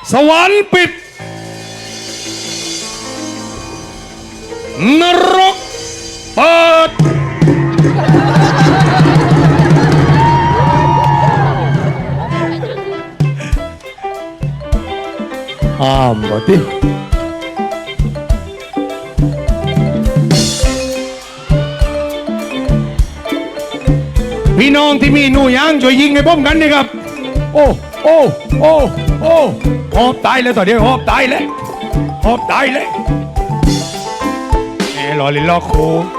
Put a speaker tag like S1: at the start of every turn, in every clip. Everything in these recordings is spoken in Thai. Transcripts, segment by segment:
S1: สวรรค์ปิดนรกเปิดห้ามบ่ติพี่น้องที่มีหนูยางช่วยยิงให้ป้อมกันนี่ครับโอ้โอ้โอ้โอ้หอบตายเลยต่อเดียวหอบตายเลยหอบตายเลยแหมรอลินรอโค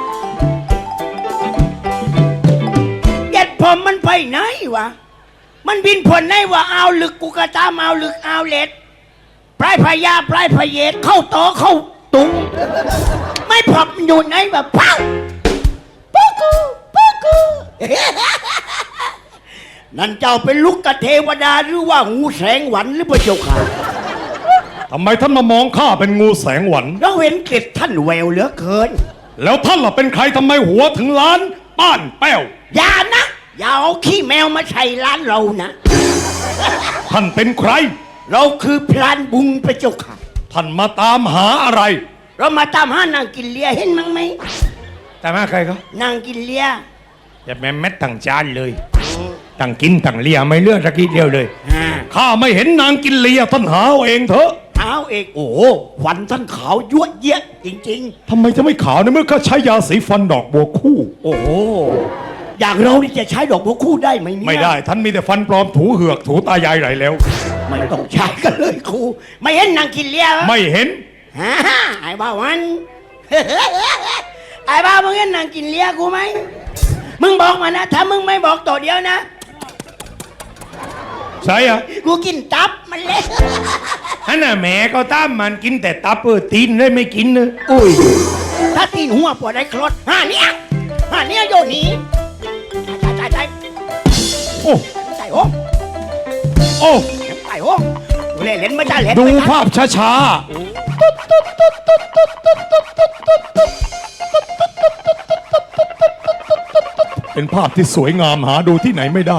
S2: เจ็ดผมมันไปไหนวะมันบินผลไหนวะเอาลึกกูกระตามเอาลึกเอาเล็ดปลายพญาปลายพเยศเข้าโตเข้าตุงไม่พบอยู่ไหนแบบปังปูกูปูกูนั่นเจ้าเป็นลูกกเทวดาหรือว่างูแสงหวันหรือพระเจ้าค่ะ
S1: ทำไมท่านมามองข้าเป็นงูแสงหวัน
S2: เราเห็นเกล็ดท่านแววเหลือเกิน
S1: แล้วท่านล่ะเป็นใครทำไมหัวถึงล้านป้านแป้ว
S2: อย่านะอย่าเอาขี้แมวมาใส่ร้านเรานะ
S1: ท่านเป็นใคร
S2: เราคือพลานบุญพระเจ้าค่ะ
S1: ท่านมาตามหาอะไร
S2: เรามาตามหานางกินเลียเห็นมั้งไหม
S1: แต่มาใครครับ
S2: นางกินเลีย
S1: อย่าแม่เม็ดตั้งจานเลยตั้งกินตั้งเลียไม่เลือกสักทีเดียวเลย
S2: อ่า
S1: ข้าไม่เห็นนางกินเลียท่านหาเอาเองเถอะ
S2: เอาเอกโอ้โหขวัญท่านขาวยั่วเยะจริง
S1: ทำไมจะไม่ขาวในเมื่อข้าใช้ยาสีฟันดอกบัวคู่
S2: ๆ โอ้โหอย่างเรานี่จะใช้ดอกบัวคู่ได้ไหมเนี่ย
S1: ไม่ได้ท่านมีแต่ฟันปลอมถูเหือกถูตายายไหลแล้ว
S2: ไม่ต้องใช้กันเลยครูไม่เห็นนางกินเลียเหรอ
S1: ไม่เห็น
S2: ฮ่าไอ้บ้าวัน ไอ้บ้ามึงเห็นนางกินเลียกูไหมมึงบอกมานะถ้ามึงไม่บอกตัวเดียวนะ
S1: ใช่อะ
S2: กูกินตับมันเละ
S1: ฮันน่ะแหม่ก็ตามมันกินแต่ตับตีนเลยไม่กินเนอะ
S2: อุ้ยถ้าตีนหัวปวดได้คลอดห่าเนี่ยโยนหนีใช่
S1: โอ้
S2: ใส่ห้อง
S1: โอ้
S2: ใส่ห้องเล่นไม่ได้เล่น
S1: ดู
S2: ไม่ได้
S1: ภาพช้าๆเป็นภาพที่สวยงามหาดูที่ไหนไม่ได้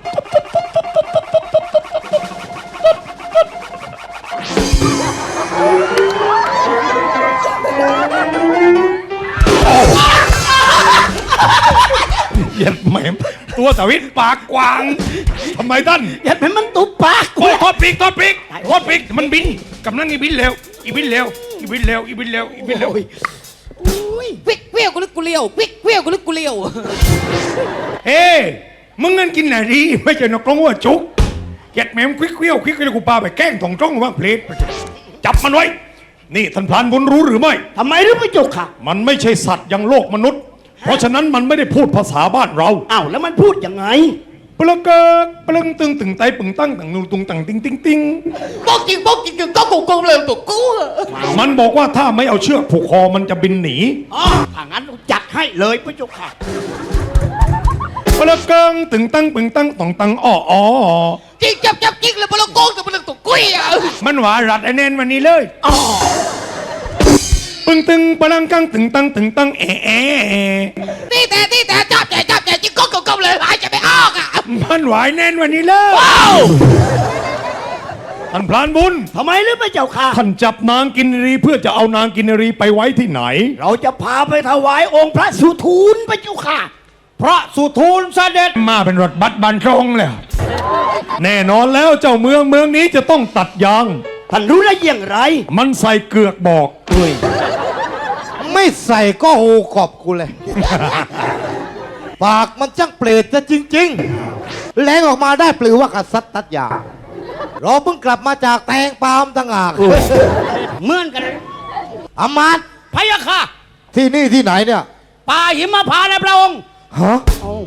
S1: เหยียดแหมตัวสวิตปากกวางทำไมท่าน
S2: อย่าเป็นมันตุบปากกู
S1: โอ้ยทอดปีกมันบินกำลังอีบินเร็วอีบินเร็วอีบินเร็วอีบินเร็วอีบินเร็ว
S3: วิกเวียวกูลึกกูเลี้ยววิกเวียวกูลึกกูเลี้ยว
S1: เฮ้มึงเงินกินไหนดีไม่ใช่นกกรงหัวจุกเหยียดแหมควิกเกี้ยวกูปาไปแกล้งถ่องจ้องว่าเพลทจับมันไว้นี่ท่านพลานบุญรู้หรือไม่
S2: ทำไมหรือไม่จกค่ะ
S1: มันไม่ใช่สัตว์อย่างโลกมนุษย์ เพราะฉะนั้นมันไม่ได้พูดภาษาบ้านเรา
S2: อ้าวแล้วมันพูดยังไง
S1: ปลเกิกปลึงตึงตึงไตปึงตั้งตังนูตุงตังติงติงติง
S3: บอกจริงก็กูเลยตัวกู
S1: มันบอกว่าถ้าไม่เอาเชือกผูกคอมันจะบินหนี
S2: อ๋อถ้างั้นจัดให้เลยพระเจ้าค่ะ
S1: ปลเกิงตึงตั้งปึงตั้งตองตังอ้ออ้อ
S3: จริงจับจริงเลยพลังโกงแต่พลังตัวกุ้ยอ่ะ
S1: มันหวารัดไอเน้นวันนี้เลย
S2: อ๋อ
S1: ปึงตึงปลังกังตึงตั้งแอะ
S3: นี่แต่จับจริงก็เลยหายใจไม่ออกอ่ะ
S1: มันหวายแน่นวันนี้เลย
S2: ว้าว
S1: ท่านพลานบุญ
S2: ทำไมหรือพระเจ้าค่ะ
S1: ท่านจับนางกินรีเพื่อจะเอานางกินรีไปไว้ที่ไหน
S2: เราจะพาไปถวายองค์พระสุทูลพระเจ้าค่ะ
S1: พระสุทูลเสด็จมาเป็นรถบัสบันทรงแล้วแน่นอนแล้วเจ้าเมืองนี้จะต้องตัดยาง
S2: ท่านรู้ได้อย่างไร
S1: มันใส่เกือกบอก
S4: ไม่ใส่ก็โหกอบกูเลย ปากมันช่างเปรตจะจริงๆแรงออกมาได้ปลือว่ากษัตริย์ตัดยาเราเพิ่งกลับมาจากแตงปาล์มต่างหาก
S2: เหมือนกัน
S4: อามาตย์
S2: พระยาค่ะ
S4: ที่นี่ที่ไหนเนี่ย
S2: ป่าหิมพานต์นะพระองค์
S4: ฮะ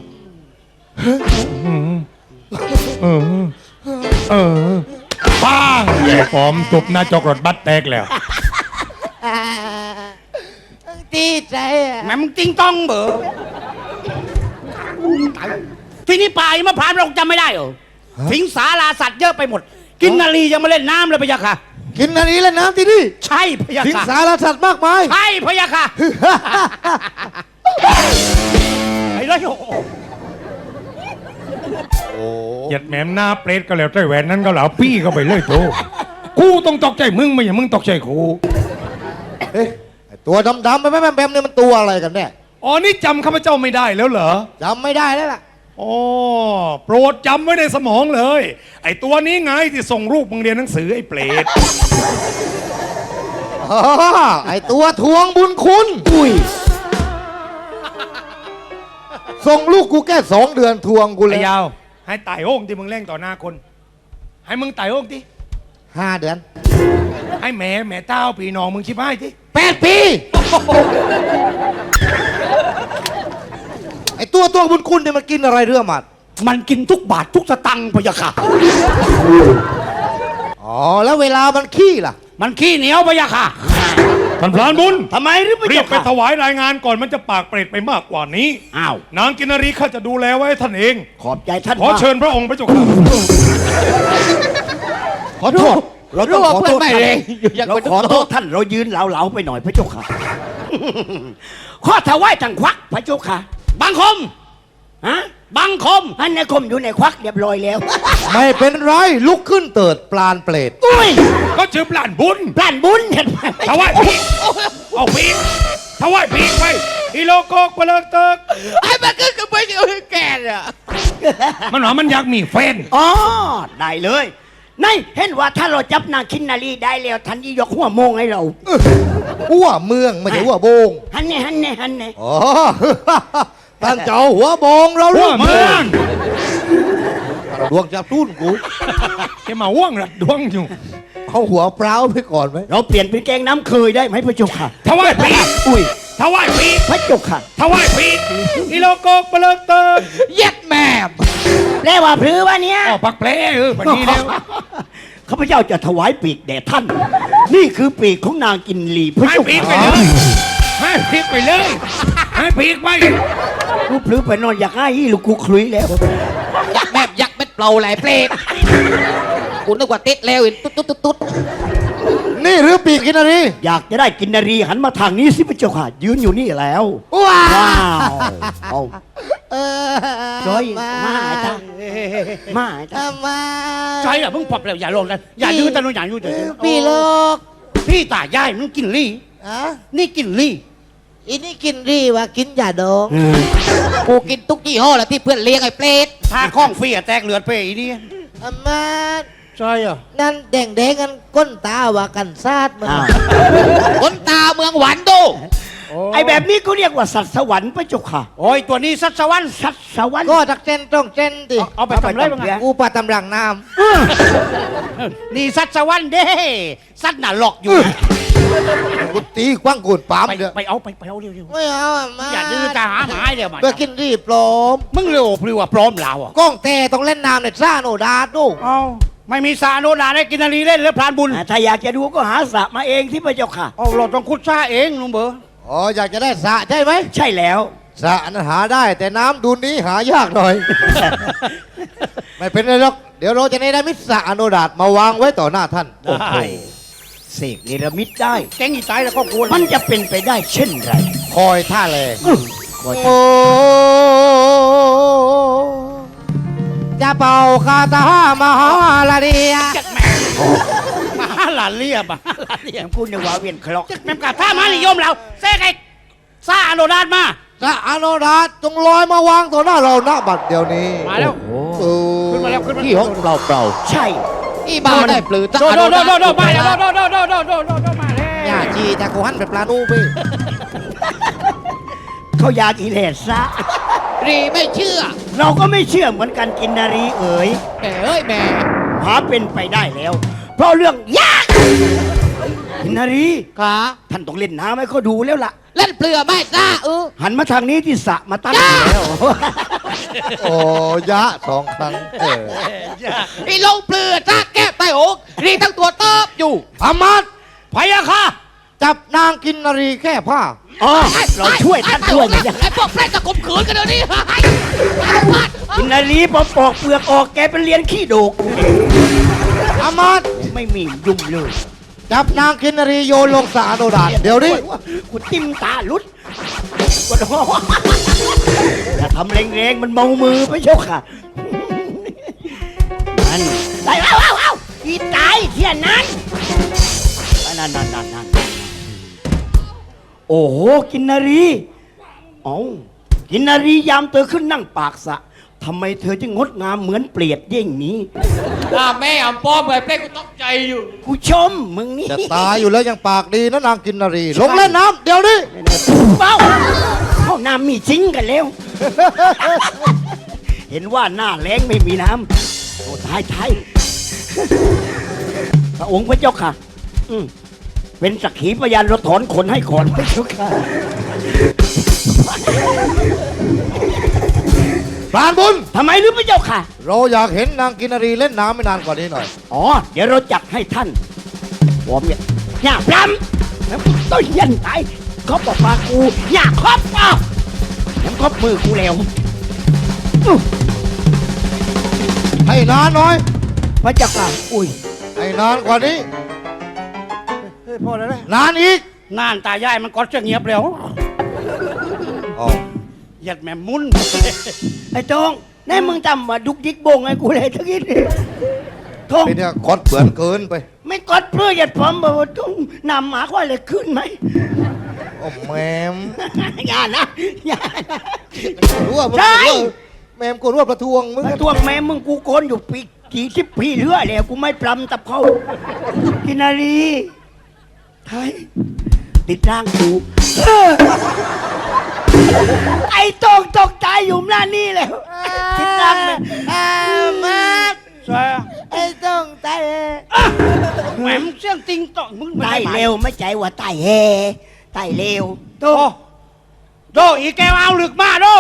S1: ป้างหอมตุบหน้าจกรถบัสแตกแล้ว
S3: ดีใจอ่ะ
S2: แม่มึงติงต้องเบอที่นี่ป่าหิมพานต์เราจำไม่ได้เหรอสิงสาราสัตว์เยอะไปหมด กินนารียังมาเล่นน้ำเลยพระยาค่ะ
S4: กินอันนี้แล้วน้ำที่นี่
S2: ใช่พระยา
S4: สิง
S2: ค่ะ
S4: สารสัตว์มากมาย
S2: ใช่พระยาค่ะไอ้ไรโอ้
S1: เหยียดแหมมหน้าเปรตก็แล้วใจแหวนนั้นก็เหล่าปี้เข้าไปเลยโตกูต้องตกใจมึงไม่ใช่มึงตกใจกู
S4: เอ๊ะไอ้ตัวดำๆแบมๆเนี่ยมันตัวอะไรกันแน่
S1: อ๋อนี่จำข้าพเจ้าไม่ได้แล้วเหรอ
S4: จำไม่ได้แล้วล่ะ
S1: อ๋อโปรดจำไว้ในสมองเลย ไอ้ตัวนี้ไงที่ส่งรูปมึงเรียนหนังสือไอ้เปรต
S4: อ๋อไอ้ตัวทวงบุญคุณ
S2: อุ้ย
S4: ส่งลูกกูแค่2 เดือนทวงกูเล
S1: ไอ้
S4: ย
S1: ยาวให้ไต่โอ่งที่มึงเล่งต่อหน้าคน ให้มึงไต่โอ่งที่
S4: 5 เดือน
S1: ให้แม่เต้าปีน้องมึงชิบให้ที่
S4: 8 ปีไอ้ตัวทวงบุญคุณเนี่ยมันกินอะไรเรื่องมัน
S2: มันกินทุกบาททุกสตังค์พะยะค่ะ
S4: อ๋อแล้วเวลามันขี้ล่ะ
S2: มันขี้เหนียวพะยะค่ะ
S1: ท่านพรานบุญ
S2: ทำไมหรือพะ
S1: เรีย
S2: ยะ
S1: กไป
S2: ค่ะ
S1: ถวายรายงานก่อนมันจะปากเปรตไปมากกว่านี้
S2: อ้าว
S1: นางกินนารีข้าจะดูแลไว้ให้ท่านเอง
S2: ขอบใจท่าน
S1: ขอ
S2: มาก
S1: เชิญพระองค์พระเจ้าค่ะ
S2: ขอโทษ เราต้องขอโทษท่าน
S3: อยาก
S2: เรา
S3: เป็น
S2: ขอโทษท่านเรายืนเหลาๆไปหน่อยพระเจ้าค่ะ ข้อถวายทางควักพระเจ้าค่ะ
S3: บังคม
S2: ฮะ
S3: บังคม
S2: อันในคมอยู่ในควักเรียบร้อยแล้ว
S4: ไม่เป็นไรลุกขึ้นเติดปลานเปรต
S2: อุ้ย
S1: ก็ชื่อปลานบุญ
S2: ปล้านบุญเห็นไหม
S1: ถวายปีกเอาปีกถวายปีกไปอีโลโกกเปลือกเติก
S3: ไอ้มันก็ไปเจอแกเนี่ย
S1: มันหว่ามันอยากมีแฟน
S2: อ๋อได้เลยนี่เห็นว่าถ้าเราจับนางคินนารีได้แล้วท่านยี่ยกหัวโมงให้เรา
S4: หัวเมืองไม่ใช่หัวโบง
S2: ฮันเน่ฮันเน่ฮันเน่
S4: อ๋อ ท่านเจ้าหัวโบงเรา
S1: หั
S4: เรื่
S1: ว
S4: อง
S1: เมือง
S4: ดวงจับตุ้นกู
S1: แกมาว่วงระดวงอยู่
S4: เอาหัวเปล่าไปก่อนไหม
S2: เราเปลี่ยนเป็นแกงน้ำเคยได้ไหมพระเจ้าค่ะ
S1: ถวายปีก
S2: อุ้ย
S1: ถวายปีก
S2: พระเจ้าค่ะ
S1: ถวายปีกอีโลโกกเปลือกเติก
S3: เย็ดแม่
S2: แปลว่าพรือวะเนี่ย
S1: อ๋อปักแผลวันนี้แล้ว
S2: ข้าพเจ้าจะถวายปีกแด่ท่าน นี่คือปีกของนางกินลีพระ
S1: ให้
S2: เจ้า
S1: ปีกไป
S2: ค่ะ
S1: เลยให้ปีกไปเลยให้ปีกไป
S2: ลูกพรือไปนอนอยากให้ลูกกูคลุยแล้ว
S3: ยักษ์แบบยักษ์เม็ดเปล่าไหลเปรตกูนึกว่าติดแล้วตุ๊ด
S4: นี่หรือปีกกินอะไร
S2: อยากจะได้กินนารีหันมาทางนี้สิพระเจ้าค่ะ ยืนอยู่นี่แล้ว
S4: ว้า
S2: ว้าวเอา
S4: เออ
S2: จอยมาไอ้ตามาไอ้ตา
S4: มา
S2: ใช่เหรอเพิ่งปรับแล้วอย่าลงนะอย่ายืนตะนุอย่ายืนเดี๋ยว
S4: พี่โลก
S2: พี่ตายายมันกินลี่
S4: อ่ะ
S2: นี่กินลี่
S4: อีนี่กินรีวะกินยาดอง
S3: ๆกูกินทุกยี่ห้อแหละที่เพื่อนเลี้ยงไอ้เปรต
S2: ถ้าข้องฟรีอะแตกเลือดไปอีนี่
S4: อามา
S2: ใช่เหรอ
S4: นั่นแดงกันก้นตาว่ากันซาดมัน
S3: คนตาเมืองหวานดู
S2: ไอ้แบบนี้เขาเรียกว่าสัตว์สวรรค์พระเจ้าค่ะ
S5: โอ้ย ตัวนี้สัตว์สวรรค์
S2: สัตว์สวรรค์
S4: ก็ตักเจนต้องเจนดิ
S5: เอาไปทำไรบ้างอะ
S4: กูปลาตำรังน้
S5: นี่สัตว์สวรรค์เด้ สัตว์น่ะหลอกอยู่
S4: ำกูตีกว้างกูดปาม
S5: ไป
S4: เด้อ
S5: ไปเอาเร็ว
S4: ไม่เอาอ่ะมา
S5: ๆอย่าดื้อจะหาหมายเดี๋ยวมา
S4: เพื่อกินรีปลอม
S5: มึงเร็วพริ้วว่าพร้อมแล้วอ่ะ
S4: กล้องแต่ต้องเล่นน้ำในซ่าโนดาดู
S5: เอาไม่มีสาโนดาได้กินนารีเล่นหรือพรานบุญ
S2: ถ้าอยากจะดูก็หาสระมาเองที่พระเจ้าค่ะ
S5: เอาเราต้องคุดซ่าเองลุงเบอร์
S4: อ๋ออยากจะได้สระใช่ไหม
S2: ใช่แล้ว
S4: สระนั้นหาได้แต่น้ำดูนี้หายากหน่อย ไม่เป็นไรหรอกเดี๋ยวเราจะได้มิตรสระอโนดาตมาวางไว้ต่อหน้าท่าน
S5: ได้
S2: เสกเนรมิตได้
S5: แกงอีตายแล้วก็กลัว
S2: มันจะเป็นไปได้เช่นไร
S4: คอยท่าแรง
S2: ขอ
S4: โอ้จะเป่าคาถามหาลาเดีย
S5: จัดแม่มาหลานเรียบมาหลานเรียบ
S2: พูดในว่าเวียนคลอก
S5: จัดแม่กะถ้ามานิยมเราเซ่ไอ้ซาโนดาดมา
S4: สระอโนดาตจงลอยมาวางต่อหน้าเราณบัดเดี๋ยวนี้
S5: มาแล้ว
S4: โอ้
S5: ขึ้นมาแล้วขึ้นมา
S4: ที่ห้องเราเปล่า
S2: ใช่
S3: อีบ้าได้ปลือตะ
S5: โดโดโดโดโดมาแล้วโดโดโดโดโดโดโดมาแล้ว
S4: อย่าจีแต่กูหันไปปลานูไป
S2: เขาอยากอีเลสซะ
S3: รีไม่เชื่อ
S2: เราก็ไม่เชื่อเหมือนกันกินนารีเอ๋ย
S3: แหมเอ้ยแหม่
S2: หาเป็นไปได้แล้ว เพราะเรื่องยากกินนารี
S3: ขา
S2: ท่านต้องเล่นน้ำให้เขาดูแล้วล่ะ
S3: เล่นเปลือไม่ซ่า
S2: หันมาทางนี้ที่สระมาตั้ง
S3: จ้า
S2: แล้ว
S4: โอ้ยะสองครั้งเออ
S3: ไอ้ลงเปลือซ่าแก้ใต้อกรีทั้งตัวเติบอยู่
S4: อามัด
S5: พยาค่ะ
S4: จับนางกินนารีแค่ผ้า
S2: อ๋อเราช่วยท่านช่วยไหมเนี่ย
S3: ไอ้พวกแฟรจะข่มขืนกันเดี๋ยวนี้
S2: กินนารีพอปอกเปลือกออกแกเป็นเลียนขี้โดก
S4: อามัด
S2: ไม่มียุ่งเลย
S4: จับนางกินนารีโยนลงสระอโนดาตเดี๋ยวนี้
S2: กูติ้มตาลุดกดหัวอย่าทำแรงๆมันเมามือไปเชียวค่ะมันได้เอาอีตายเที่ยนั้นนั่นโอ้โหกินนารีอ๋อกินนารียามเธอขึ้นนั่งปากสระทำไมเธอจึงงดงามเหมือนเปลียดเย่งนี้
S3: แม่อ่ำป้อมไอ้เปรตกูตกใจอยู่
S2: กูชมมึงนี่
S4: จะตายอยู่แล้วยังปากดีนะนางกินนารี ลงเล่นน้ำเดี๋ยวนี้
S2: เป้าเข้าน้ำมีจริงกันแล้ว เห็นว่าหน้าแรงไม่มีน้ำโอ้ตายพระองค์พระเจ้าค่ะเป็นสักขีพยานเราถอนขนให้ก่อนพระเจ้าค่ะ
S4: ปราณบุญ
S2: ทำไมหรือพระเจ้าค่ะ
S4: เราอยากเห็นนางกินนารีเล่นน้ำไม่นานกว่านี้หน่อย
S2: อ๋อ เดี๋ยวเราจัดให้ท่านผมเนี่ยอย่าพรำแล้วต้นยันตายเขาบอกมากูอย่าครอบแล้วครอบมือกูแล้ว
S4: ให้นานหน่อย
S2: พระเจ้าค่ะอุ้ย
S4: ให้นานกว่านี้
S5: เฮ้ยพ่อแล้วนะ
S4: นานอีก
S5: นานตายายมันก็จะเงียบแล้ว
S4: อ๋อ
S5: หยัดแม่มุน
S2: ไอ้ทองนี่มึงทำมาดุกดิกโบงไอ้กูเลยทั้งนี้ทอง
S4: ไอ้เนี่ยคดเปื่อนเกินไป
S2: ไม่กดเพื่อหยัดผมบอกว่าต้องนำหมาควายเลยขึ้นไหม
S4: โอ้แมม
S2: อย่านะอย่านะ
S4: กูรู้ว่ามึง
S2: ใช่
S4: แมมกูรู้ว่าประท้วงมึง
S2: ทวงแม่มึงกูโกนอยู่ปีกี่สิบปีเรื่อยแล้วกูไม่ปลำตับเขากินนารีไทยติดร่างกูไอ้ตองตกใจอยู่หน้านี่แล้วติดร่างเลยมา
S5: ใช่
S2: ไอ้ตองตาย
S5: แหม่มเสียงติงต่องมึง
S2: ตายเร็วไม่ใจว่าตายเฮตายเร็วโต
S5: โดอีแกวเอาลึกมาโด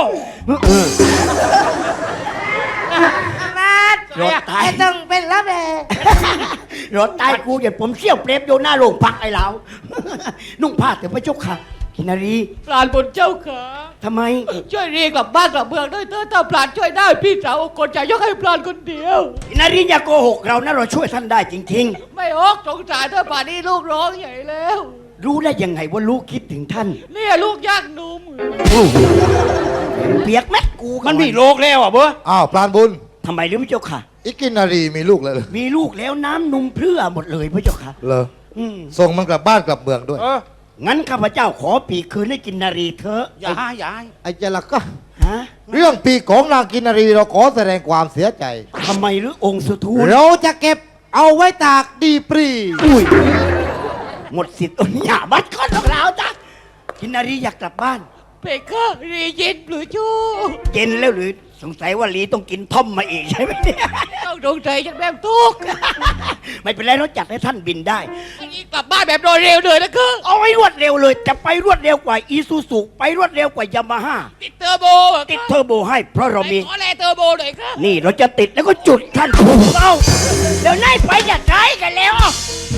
S2: รถตายต้องเป็นรับเลยรถตายกูอย่าผมเชี่ยวเปรบโยนหน้าโรงพักไอ้เรานุ่งผ้าแต่พระเจ้าค่ะกินนารี
S3: ปราณบุญเจ้าขา
S2: ทำไม
S3: ช่วยเรียกกลับบ้านกลับเมืองด้วยเถอะถ้าปราณช่วยได้พี่สาวคนจะยกให้ปราณคนเดียว
S2: กินนารีอย่าโกหกเรานะเราช่วยท่านได้จริง
S3: ไม่ออกสงสารถ้าป่านนี้ลูกร้องใหญ่แล้ว
S2: ๆ รู้ได้ยังไงว่าลูกคิดถึงท่าน
S3: เนี่ยลูกยากหนุ่ม
S2: เปียกแม็กกูก่อ
S5: มันมีโลกแล้วอ่ะเบ้อ
S4: อ้าวปราณบุญ
S2: ทำไมหรือพระเจ้าค่ะ
S4: อีกินนารีมีลูกเลยเหรอ
S2: มีลูกแล้วน้ำนุ่มเพรื่อหมดเลยพระเจ้าค่ะ
S4: เหรอ
S2: อืม
S4: ส่งมันกลับบ้านกลับเมืองด้วย
S2: งั้นข้าพเจ้าขอปีกคืนให้กินนารีเถอะ
S5: อย่าอย่า
S4: ไอ้เจาละก็
S2: ฮะ
S4: เรื่องปีกของนางกินนารีเราขอแสดงความเสียใจ
S2: ทำไมหรือองค์สุทูล
S4: เราจะเก็บเอาไว้ตากดีปรี
S2: อุ้ยหมดสิทธิ์อนอย่าบัดก้อนของเราจ้ะกินนารีอยากกลับบ้าน
S3: เพคะรียินหรือชู้
S2: เย็นแล้วหรือสงสัยว่าลีต้องกินท่อมมาอีกใช่ไหมเนี่ย
S3: ต้องดวงใจจากแม่ทุกข์
S2: ไม่เป็นไรเราจัดให้ท่านบินได้
S3: อันนี้กลับบ้านแบบโดยเร็วเลยนะคือ
S2: เอาให้รวดเร็วเลยจะไปรวดเร็วกว่าอีซูซุไปรวดเร็วกว่ายามาฮ่า
S3: ติดเทอร์โบ
S2: ติดเทอร์โบให้เพราะเรามี
S3: ขอแลเทอร์โบหน่อยครับ
S2: นี่เราจะติดแล้วก็จุดท่านเอาเดี๋ยวนายไปอย่าใช้กันแล้ว